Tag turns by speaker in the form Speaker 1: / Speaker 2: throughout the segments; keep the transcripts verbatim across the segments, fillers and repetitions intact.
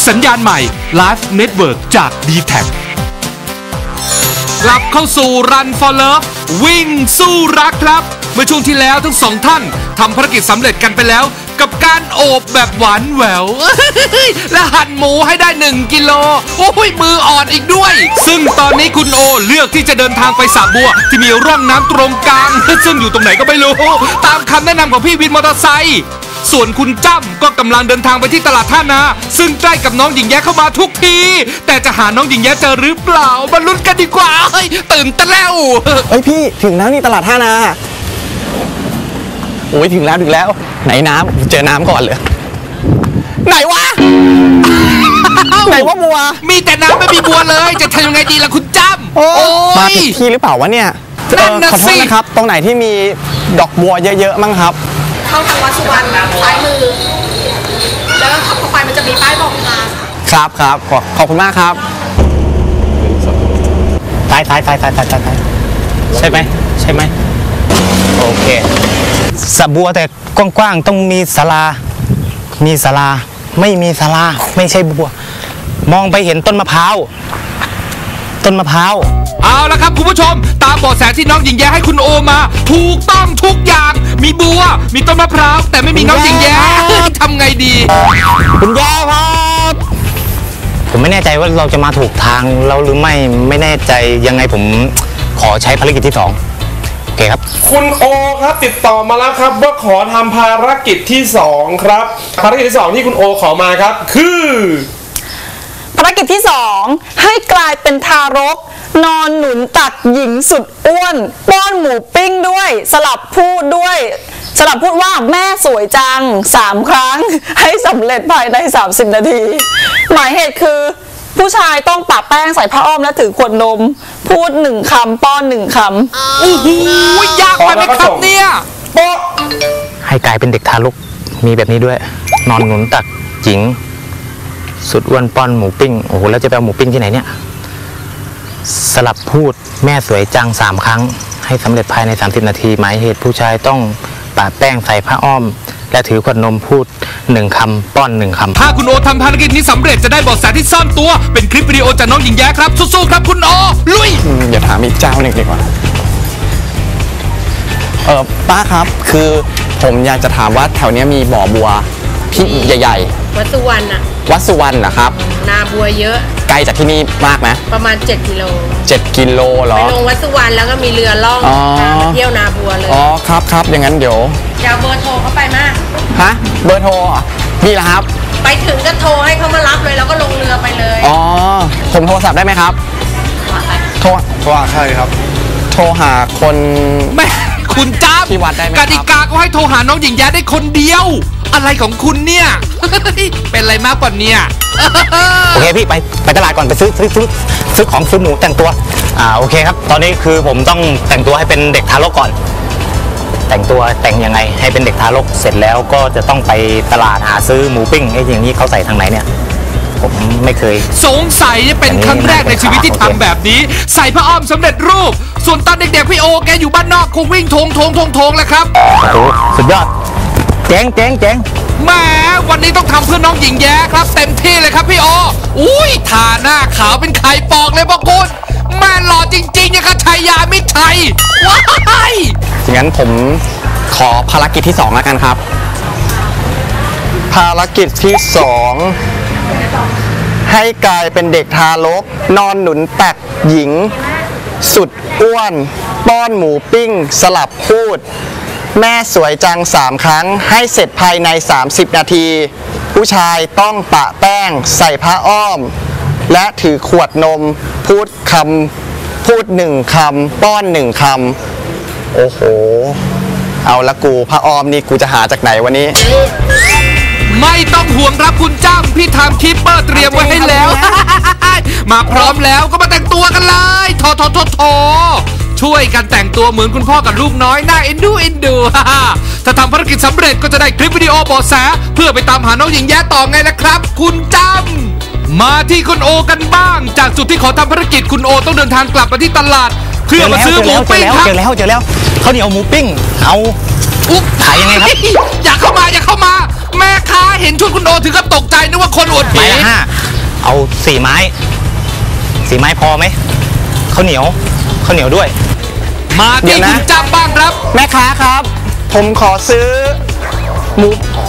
Speaker 1: สัญญาณใหม่ Live Network จาก ดี แท็ก กลับเข้าสู่ Run for Love วิ่งสู้รักครับเมื่อช่วงที่แล้วทั้งสองท่านทำภารกิจสำเร็จกันไปแล้วกับการโอบแบบหวานแหววและหั่นหมูให้ได้หนึ่งกิโลโอ้ยมืออ่อนอีกด้วยซึ่งตอนนี้คุณโอเลือกที่จะเดินทางไปสระบัวที่มีร่องน้ำตรงกลางซึ่งอยู่ตรงไหนก็ไม่รู้ตามคำแนะนำของพี่วินมอเตอร์ไซค์ส่วนคุณจ้ำก็กำลังเดินทางไปที่ตลาดท่านาซึ่งใกล้กับน้องหญิงแย้เข้ามาทุกทีแต่จะหาน้องหญิงแย้เจอหรือเปล่ามาลุ้นกันดีกว่าเฮ้ยตื่นเต้นแล้ว
Speaker 2: เฮ้ยพี่ถึงแล้วนี่ตลาดท่านาโอ้ยถึงแล้วถึงแล้วไหนน้ำเจอน้ำก่อนเลยไหนวะไหนว่าบัว
Speaker 1: มีแต่น้ำไม่มีบัวเลยจะทำยังไงดีล่ะคุณจ้ำโอ้
Speaker 2: ยมาผิดที่หรือเปล่าวะเนี่ยขอโทษนะครับตรงไหนที่มีดอกบัวเยอะๆมั้งครับ
Speaker 3: เข้าทางวัดสุวรรณซ้ายมือแล้วก็ขับเข้าไปมันจะมีป้ายบอกทาง
Speaker 2: ครับครับขอขอบคุณมากครับซ้ายซ้ายซ้ายซ้ายซ้ายซ้ายใช่ไหมใช่ไหมโอเคสระบัวแต่กว้างๆต้องมีศาลามีศาลาไม่มีศาลาไม่ใช่บัวมองไปเห็นต้นมะพร้าวต้นมะพร้าว
Speaker 1: เอาละครับคุณผู้ชมตามเบาะแสที่น้องหญิงแย้ให้คุณโอมาถูกต้องทุกอย่างมีบัวมีต้นมะพร้าวแต่ไม่มีน้องหญิงแย้ทำไงดี
Speaker 2: คุณแย้ครับผมไม่แน่ใจว่าเราจะมาถูกทางเราหรือไม่ไม่แน่ใจยังไงผมขอใช้ภารกิจที่สองโอเคครับ
Speaker 4: คุณโอครับติดต่อมาแล้วครับว่าขอทำภารกิจที่สองครับภารกิจที่สองที่คุณโอขอมาครับคือ
Speaker 3: ภารกิจที่สองให้กลายเป็นทารกนอนหนุนตักหญิงสุดอ้วนป้อนหมูปิ้งด้วยสลับพูดด้วยสลับพูดว่าแม่สวยจังสามครั้งให้สำเร็จภายในสามสิบนาทีหมายเหตุคือผู้ชายต้องปะแป้งใส่ผ้าอ้อมและถือขวดนมพูดหนึ่งคำป้อนหนึ่งคำ
Speaker 1: โอ้โหยากไปไหมครับเนี่ย
Speaker 2: ให้กลายเป็นเด็กทารกมีแบบนี้ด้วยนอนหนุนตักหญิงสุดอ้วนป้อนหมูปิ้งโอ้โหแล้วจะไปเอาหมูปิ้งที่ไหนเนี่ยสลับพูดแม่สวยจังสามครั้งให้สำเร็จภายในสามสิบนาทีหมายเหตุผู้ชายต้องปะแป้งใส่ผ้าอ้อมและถือขวดนมพูดหนึ่งคำป้อนหนึ่งคำ
Speaker 1: ถ้าคุณโอทำภารกิจนี้สำเร็จจะได้เบาะแสที่ซ่อนตัวเป็นคลิปวิดีโอจากน้องหญิงแย้ครับสู้ๆครับคุณโอลุย
Speaker 2: อย่าถามอีกเจ้าหนึ่งดีกว่าเออป้าครับคือผมอยากจะถามว่าแถวนี้มีบ่อบัวที่ใหญ่
Speaker 3: ๆวัดสุวรรณอะ
Speaker 2: วัดสุวรรณเหรอครับ
Speaker 3: นาบัวเยอะ
Speaker 2: ไกลจากที่นี่มากไหม
Speaker 3: ประมาณเจ็ดกิโล
Speaker 2: เจ็ดกิโลเหรอ
Speaker 3: ไปลงวัดสุวรรณแล้วก็มีเรือล่องมาเที่ยวนาบัวเลย
Speaker 2: อ๋อครับครับอย่างนั้นเดี๋ยว
Speaker 3: จะเอาเบอร์โทรเขาไปมาก
Speaker 2: ฮะเบอร์โทรมีเหรอครับ
Speaker 3: ไปถึงก็โทรให้เขามารับเลยแล้วก็ลงเรือไปเลย
Speaker 2: อ๋อผมโทรศัพท์ได้ไหมครับโทรโทรใช่ครับโทรหาคน
Speaker 1: แม่คุณจ้ำ
Speaker 2: ที่วัดได้ไหม
Speaker 1: กติกาก็ให้โทรหาน้องหญิงแย้ได้คนเดียวอะไรของคุณเนี่ยเป็นอะไรมากกว่านี้
Speaker 2: โอเคพี่ไปไปตลาดก่อนไปซื้อซื้อซื้อซื้อของซื้อหมูแต่งตัวอ่าโอเคครับตอนนี้คือผมต้องแต่งตัวให้เป็นเด็กทารกก่อนแต่งตัวแต่งยังไงให้เป็นเด็กทารกเสร็จแล้วก็จะต้องไปตลาดหาซื้อหมูปิ้งไอ้อย่างนี้เขาใส่ทางไหนเนี่ยผมไม่เคย
Speaker 1: สงสัยเป็นครั้งแรกในชีวิตที่ทำแบบนี้ใส่ผ้าอ้อมสำเร็จรูปส่วนตอนเด็กๆพี่โอแกอยู่บ้านนอกคงวิ่งทงทงทงทงแหละครับ
Speaker 2: โอ้โหสุดยอดเจ๋งเจ๋งเจ๋ง
Speaker 1: แหมวันนี้ต้องทำเพื่อน้องหญิงแย้ครับเต็มที่เลยครับพี่โออุ้ยทาหน้าขาวเป็นไข่ปอกเลยบอกคุณแม่หล่อจริงๆนะครับชัยยามิตรชัยว้าย
Speaker 2: งั้นผมขอภารกิจที่สองแล้วกันครับภารกิจที่สองให้กลายเป็นเด็กทารกนอนหนุนตักหญิงสุดอ้วนป้อนหมูปิ้งสลับพูดแม่สวยจังสามครั้งให้เสร็จภายในสามสิบนาทีผู้ชายต้องปะแป้งใส่ผ้าอ้อมและถือขวดนมพูดคำพูดหนึ่งคำป้อนหนึ่งคำโอ้โหเอาละกูผ้าอ้อมนี่กูจะหาจากไหนวันนี้
Speaker 1: ไม่ต้องห่วงครับคุณจ้ำพี่ทำคลิปเปอร์เตรียมไว้ให้แล้วมาพร้อมแล้วก็มาแต่งตัวกันเลยโถโถโถโถช่วยกันแต่งตัวเหมือนคุณพ่อกับลูกน้อยน่าเอ็นดูเอ็นดูถ้าทำภารกิจสำเร็จก็จะได้คลิปวิดีโอเบาะแสเพื่อไปตามหาน้องหญิงแย้ต่อไงนะครับ คุณจ้ำมาที่คุณโอกันบ้างจากจุดที่ขอทำภารกิจคุณโอต้องเดินทางกลับมาที่ตลาดเพื่อมาซื้อหมูปิ้งครับ
Speaker 2: เจอแล้วเจอแล้วเขาเหนียวหมูปิ้งเอา
Speaker 1: อุ๊บ
Speaker 5: ขายยังไงครับ
Speaker 1: อย่าเข้ามาอย่าเข้ามา แม่ค้าเห็นชุดคุณโอถึงกับตกใจนึกว่าคนอวด
Speaker 5: ไม้
Speaker 1: ผี
Speaker 5: ละห้าเอาสี่ไม้สี่ไม้พอไหมข้าวเหนียวข้าวเหนียวด้วย
Speaker 1: มา
Speaker 2: เดี๋
Speaker 1: ที่
Speaker 2: ยวนะ
Speaker 1: คุณจำบ้างครับ
Speaker 2: แม่ค้าครับ ผมขอซื้อหมู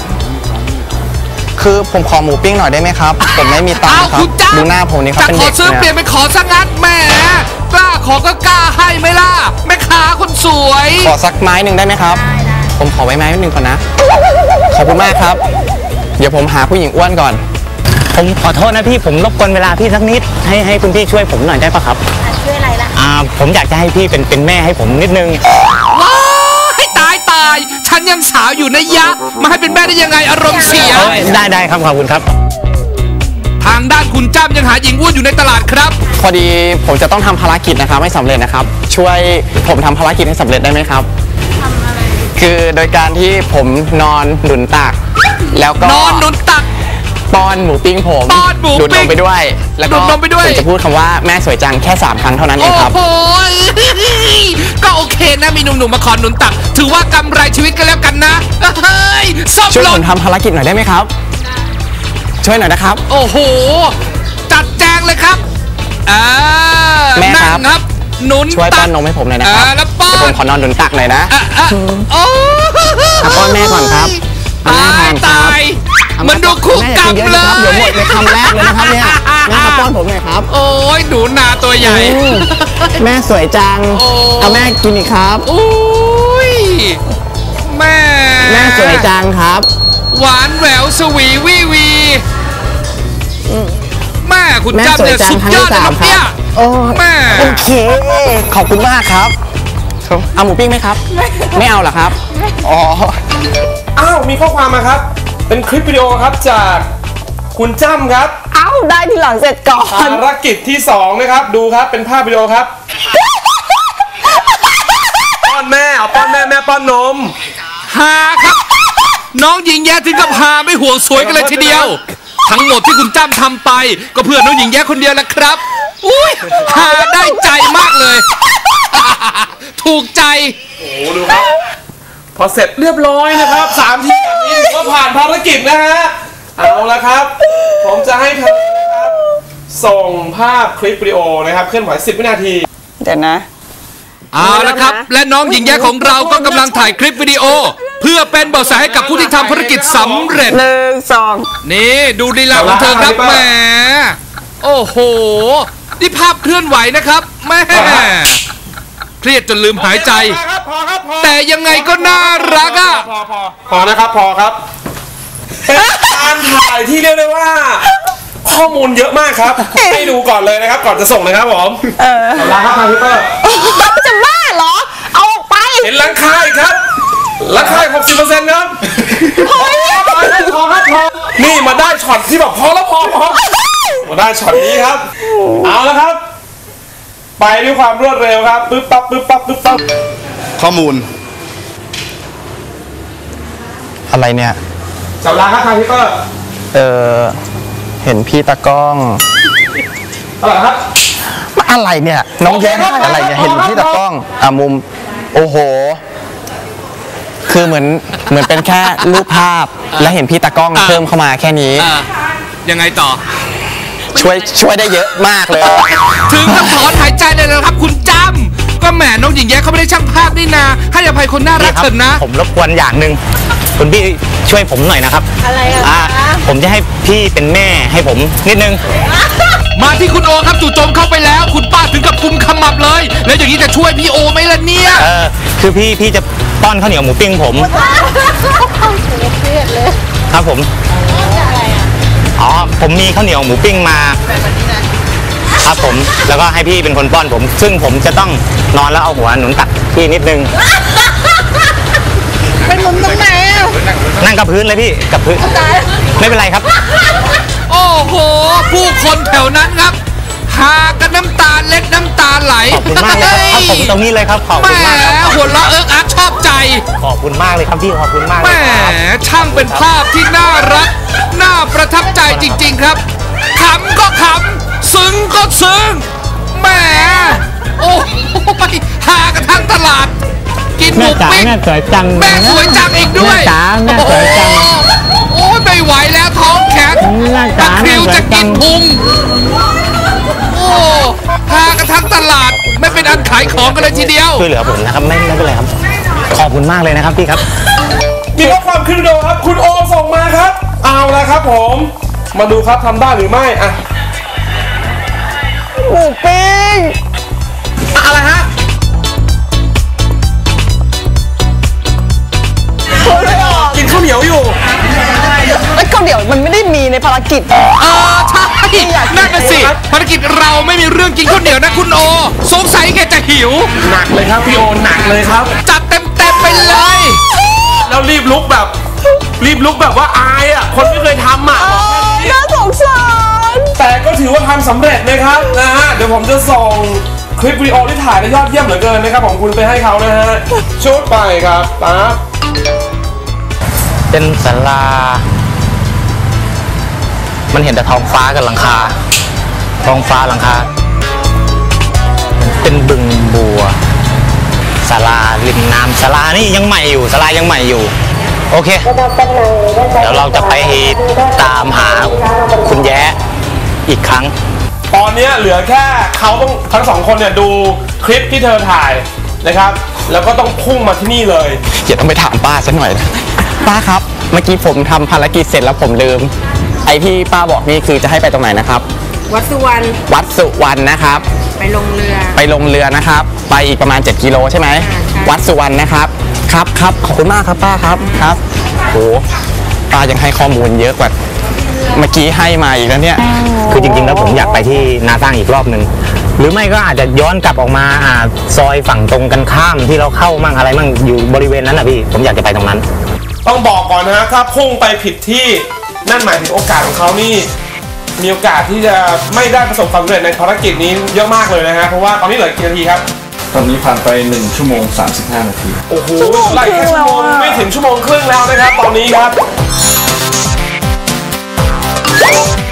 Speaker 2: คือผมขอหมูปิ้งหน่อยได้ไหมครับผมไม่มีตัง
Speaker 1: อ้าว
Speaker 2: ค์ครั
Speaker 1: คุ
Speaker 2: บ
Speaker 1: ณจ้า
Speaker 2: ดูหน้าผมนี่ครับ
Speaker 1: จะ
Speaker 2: เป็น
Speaker 1: ขอ
Speaker 2: เด็ก
Speaker 1: ซื้อเปลี่ยน
Speaker 2: เนี่ย
Speaker 1: เป็นขอซะงั้นแหมกล้าขอก็กล้าให้ไหมล่ะแม่ค้าคนสวย
Speaker 2: ขอสักไม้หนึ่งได้ไหมครับผมขอไว้ไม้หนึ่งก่อนนะขอบคุณมากครับ เดี๋ยวผมหาผู้หญิงอ้วนก่อน
Speaker 5: ผมขอโทษนะพี่ผมรบกวนเวลาพี่สักนิดให้ให้คุณพี่ช่วยผมหน่อยได้ปะครับ
Speaker 6: ช่วยอะไรล่ะ
Speaker 5: อ่าผมอยากจะให้พี่เป็นเป็นแม่ให้ผมนิดนึง
Speaker 1: ว้ายตายตายฉันยังสาวอยู่นะยะ มาให้เป็นแม่ได้ยังไงอารมณ์เสีย
Speaker 5: เอ้ยได้ได้ครับขอบคุณครับ
Speaker 1: ทางด้านคุณจ้ำยังหาหญิงอ้วนอยู่ในตลาดครับ
Speaker 2: พอดีผมจะต้องทำภารกิจนะครับไม่สำเร็จนะครับ ช่วยผมทำภารกิจให้สำเร็จได้ไหมครับทำอะไรคือโดยการที่ผมนอนหนุนตัก แล้วก็
Speaker 1: นอนหนุนตัก
Speaker 2: ป้อนหมูปิ้งผม
Speaker 1: ป้อนหมูปิ้ง
Speaker 2: ดูดนมไปด้วย แล้วก็
Speaker 1: ดูดนมไปด้วย
Speaker 2: ผมจะพูดคำว่าแม่สวยจังแค่สามครั้งเท่านั้นเอ
Speaker 1: โอ้
Speaker 2: งครับ
Speaker 1: โหก็โอเคนะมีหนุ่มๆมาขอหนุนตัก ถือว่ากำไรชีวิตกันแล้วกันนะเฮ้ยส้ม
Speaker 2: ช่วย
Speaker 1: หล่
Speaker 2: ผ
Speaker 1: น
Speaker 2: มทำภารกิจหน่อยได้ไหมครับ ช่วยหน่อยนะครับ
Speaker 1: โอ้โห จัดแจงเลยครับอ่า
Speaker 2: แม่ครับ
Speaker 1: นั่งครับ หนุน
Speaker 2: ช่วยป้
Speaker 1: ตั
Speaker 2: อน
Speaker 1: ก
Speaker 2: นมให้ผมหน่อยนะครับ
Speaker 1: อ่าแล้วป้อน
Speaker 2: เดี๋ยวผมขอนอนหนุนตักหน่อยนะ
Speaker 1: อ่ะอ่ะโอ้
Speaker 2: อ่ะป้อนแม่ก่อนครับเอาแม่
Speaker 1: ตาย
Speaker 2: ทานครับ
Speaker 1: ตายมันดูคู่กรรม
Speaker 2: แม่
Speaker 1: เล
Speaker 2: กินเยอะนะครับเดี๋ยวหม
Speaker 1: ย
Speaker 2: ดในคำแรกเลยนะครับเนี่ยแม่ครับป้อนผมหน่อยครับ
Speaker 1: โอ้ยหนูนาตัวใหญ่
Speaker 2: อืมแม่สวยจัง
Speaker 1: โอ้
Speaker 2: เอาแม่กินอีกครับ
Speaker 1: โอ้ยแม่
Speaker 2: แม่สวยจังครับ
Speaker 1: หวานแหววสวีวีวีแม่คุณ
Speaker 2: แม่
Speaker 1: จำ
Speaker 2: สวย
Speaker 1: เนี่ย
Speaker 2: จัง
Speaker 1: สุด
Speaker 2: ครั้ง
Speaker 1: ยอ
Speaker 2: ที่
Speaker 1: ดเลย
Speaker 2: สาม
Speaker 1: ครับ
Speaker 2: ค
Speaker 1: เนี่
Speaker 2: รั
Speaker 1: ย
Speaker 2: บโอ้
Speaker 1: แม่
Speaker 2: โอเค ขอบคุณมากครับเอาหมูปิ้งไหมครับ ไม่เอาเหรอครับ อ๋อ
Speaker 4: อ้าวมีข้อความมาครับ เป็นคลิปวิดีโอครับจากคุณจ้ำครับ
Speaker 3: เอ้าได้ทีหลังเสร็จก่อน
Speaker 4: ภารกิจที่สองนะครับดูครับเป็นภาพวิดีโอครับ ป้อนแม่เอาป้อนแม่แม่ป้อนนม
Speaker 1: ฮาครับ น้องหญิงแย้ถึงกับฮาไม่ห่วงสวยกันเลยทีเดียว ทั้งหมดที่คุณจ้ำทำไป ก็เพื่อน้องหญิงแย้คนเดียวแหละครับ อุ้ยฮาได้ใจมากเลย ถูกใจ
Speaker 4: โอ้โหดูครับ พอเสร็จเรียบร้อยนะครับสามทีแบบนี้ถือว่าผ่านภารกิจนะฮะเอาละครับ ผมจะให้เธอนะครับส่งภาพคลิปวิดีโอนะครับเคลื่อนไหวสิบวินาที
Speaker 3: เดี๋ยวนะ
Speaker 1: เอาละครับ และน้องหญิงแย้ของเราก็กำลังถ่ายคลิปวิดีโอ เพื่อเป็นเบาะแสให้กับผู้ที่ทำภารกิจสำเร็จ
Speaker 3: หนึ่งสอง
Speaker 1: นี่ดูลีลาของเธอครับแหมโอ้โห นี่ภาพเคลื่อนไหวนะครับแม่เครียดจนลืมหายใจ
Speaker 4: พอครับพอครับพอ
Speaker 1: แต่ยังไงก็น่ารักอ่ะ
Speaker 4: พอพอพอนะครับพอครับเป็นการถ่ายที่เรียกได้ว่า ข้อมูลเยอะมากครับ ให้ดูก่อนเลยนะครับ ก่อนจะส่งนะครับผม
Speaker 3: เออ
Speaker 4: ขอบคุณครับทางพิเตอร์
Speaker 3: จะบ้าเหรอ เอาออกไป
Speaker 4: เห็นหลังคาอีกครับหลังคาหกสิบเปอร์เซ็นต์ครับพอครับพอครับพอนี่มาได้ช็อตที่แบบพอแล้วพอพอมาได้ช็อตนี้ครับ เอาแล้วครับ ไปด้วยความรวดเร็วครับปึ๊บปั๊บปึ๊บปั๊บปึ๊บปั๊บ
Speaker 7: ข้อมูล
Speaker 2: อะไรเนี่ย
Speaker 4: จับลาครับทางพิเตอร์
Speaker 2: เออเห็นพี่ตากล้อง
Speaker 4: อะไรครับ
Speaker 2: อะไรเนี่ย น้องแย้ได้อะไรเนี่ย เห็นพี่ตากล้อง อ่ะมุม โอ้โห คือเหมือน เหมือนเป็นแค่รูปภาพ และเห็นพี่ตากล้อง
Speaker 1: อ่ะ
Speaker 2: เพิ่มเข้ามาแค่นี้
Speaker 1: อ่ะยังไงต่อ
Speaker 2: ช่วย ช่วยได้เยอะมากเลย
Speaker 1: ถึงกับถอนหายใจเลยนะครับ คุณจำก็แหมน้องหญิงแย้เขาไม่ได้ช่างภาพนี่นาให้อภัยคนน่ารัก
Speaker 5: นี่ครับ
Speaker 1: เถอะนะ
Speaker 5: ผมรบกวนอย่างหนึ่งคุณพี่ช่วยผมหน่อยนะครับ
Speaker 6: อะไรอะ
Speaker 5: อ่าผมจะให้พี่เป็นแม่ให้ผมนิดนึง
Speaker 1: มาที่คุณโอครับจู่โจมเข้าไปแล้ว คุณป้าถึงกับกุมขมับเลย แล้วอย่างนี้จะช่วยพี่โอไหมล่ะเนี่ย
Speaker 5: เออคือพี่พี่จะป้อนข้าวเหนียวหมูปิ้งผม
Speaker 6: เครียดเลย
Speaker 5: ครับผมอ๋อผมมีข้าวเหนียวหมูปิ้งมาครับผมแล้วก็ให้พี่เป็นคนป้อนผม ซึ่งผมจะต้องนอนแล้วเอาหัวหนุนตักพี่นิดนึง
Speaker 6: เป็นมุมตรงไหนอ่ะ
Speaker 5: นั่งกับพื้นเลยพี่กับพื้นไม่เป็นไรครับ
Speaker 1: โอ้โห ผู้คนแถวนั้นครับหากันน้ำตาเล็ดน้ำตาไหล
Speaker 5: ขอบคุณมากเลยครับครับผมตรงนี้เลยครับขอบ
Speaker 1: แหม
Speaker 5: คุณมากครับ
Speaker 1: หัวเราะเอิ๊กอักชอบใจ
Speaker 5: ขอบคุณมากเลยครับพี่ขอบคุณมาก
Speaker 1: แหม
Speaker 5: เลยครับ
Speaker 1: ช่างเป็นภาพที่น่ารัก น่าประทับใจจริง ๆครับขำก็ขำซึ้งก็ซึ้งแหมโอ้ยหากันทั้งตลาด กินหมู
Speaker 5: จ๋า
Speaker 1: ปิ๊ง
Speaker 5: แม่สวยจัง
Speaker 1: แม่สวยจังอีกด้วย
Speaker 5: แม่จ๋าแม่สวยจัง
Speaker 1: โอ้ยไม่ไหวแล้วท้องแข็ง
Speaker 5: แม่
Speaker 1: ตะ
Speaker 5: จ๋า
Speaker 1: คริว
Speaker 5: แม่สวย
Speaker 1: จะกิน
Speaker 5: จัง
Speaker 1: พุงโอ้พากันทั้งตลาดไม่เป็นอันขายของกันเลยทีเดียว
Speaker 5: ช่วยเหลือผมนะครับไม่ไม่เป็นไรครับขอบคุณมากเลยนะครับพี่ครับ
Speaker 4: มีข้อความขึ้นโดครับ คุณโอส่งมาครับ เอาละครับผม มาดูครับทำได้หรือไม่อะ
Speaker 3: หมูปิ้ง
Speaker 4: อะอะไรฮะ
Speaker 3: พูดไม่ออก
Speaker 4: กินข้าวเหนียวอยู่
Speaker 3: ไอ้ยข้าวเหนียวมันไม่ได้มีในภารกิจ
Speaker 1: เออใช่นั่นน่ะสิภารกิจเราไม่มีเรื่องกินข้าวเหนียวนะคุณโอ สงสัยแกจะหิว
Speaker 4: หนักเลยครับพี่โอหนักเลยครับ
Speaker 1: จัดเต็มเต็มๆไปเลย
Speaker 4: แล้วรีบลุกแบบ รีบลุกแบบว่าอายอ่ะ คนไม่เคยทำอ่ะบอกแค่นี้
Speaker 3: น่าสงสาร
Speaker 4: แต่ก็ถือว่าทำสำเร็จนะครับนะฮะ เดี๋ยวผมจะส่งคลิปวิดีโอที่ถ่ายได้ยอดเยี่ยมเหลือเกินนะครับของคุณไปให้เขานะฮะชุดไปครับปั๊บ
Speaker 5: เป็นศาลา มันเห็นแต่ท้องฟ้ากับหลังคา ท้องฟ้าหลังคา เป็นบึงบัวศาลาริมน้ำศาลานี่ยังใหม่อยู่ศาลายังใหม่อยู่ โอเค เดี๋ยวเราจะไปตามหาคุณแย้อีกครั้ง
Speaker 4: ตอนนี้เหลือแค่เขาต้องทั้งสองคนเนี่ยดูคลิปที่เธอถ่ายนะครับ แล้วก็ต้องพุ่งมาที่นี่เลย
Speaker 2: อย่าต้องไปถามป้าซะหน่อยนะป้าครับ เมื่อกี้ผมทำภารกิจเสร็จแล้วผมลืม ไอ้ที่ป้าบอกนี่คือจะให้ไปตรงไหนนะครับ
Speaker 6: วัดสุวรรณ
Speaker 2: วัดสุวรรณนะครับ
Speaker 6: ไปลงเรือ
Speaker 2: ไปลงเรือนะครับ ไปอีกประมาณเจ็ดกิโลใช่ไหม
Speaker 6: ใช่
Speaker 2: วัดสุวรรณนะครับ ครับครับขอบคุณมากครับป้าครับครับโหป้ายังให้ข้อมูลเยอะกว่าเมื่อกี้ให้มาอีกแล้วเนี่ย
Speaker 5: คือจริงๆแล้วผมอยากไปที่นาตั้งอีกรอบหนึ่งหรือไม่ก็อาจจะย้อนกลับออกมาอ่าซอยฝั่งตรงกันข้ามที่เราเข้ามั่งอะไรมั่งอยู่บริเวณนั้นนะพี่ผมอยากจะไปตรงนั้น
Speaker 4: ต้องบอกก่อนนะฮะถ้าพุ่งไปผิดที่นั่นหมายถึงโอกาสของเขานี่มีโอกาสที่จะไม่ได้ประสบความสำเร็จในภารกิจนี้เยอะมากเลยนะฮะเพราะว่าตอนนี้เหลือกี่นาทีครับ
Speaker 7: ตอนนี้ผ่านไปหนึ่งชั่วโมงสามสิบห้านาที
Speaker 4: โอ้โหไล่แค่ชั่วโมงไม่ถึงชั่วโมงครึ่งแล้วนะครับตอนนี้ครับ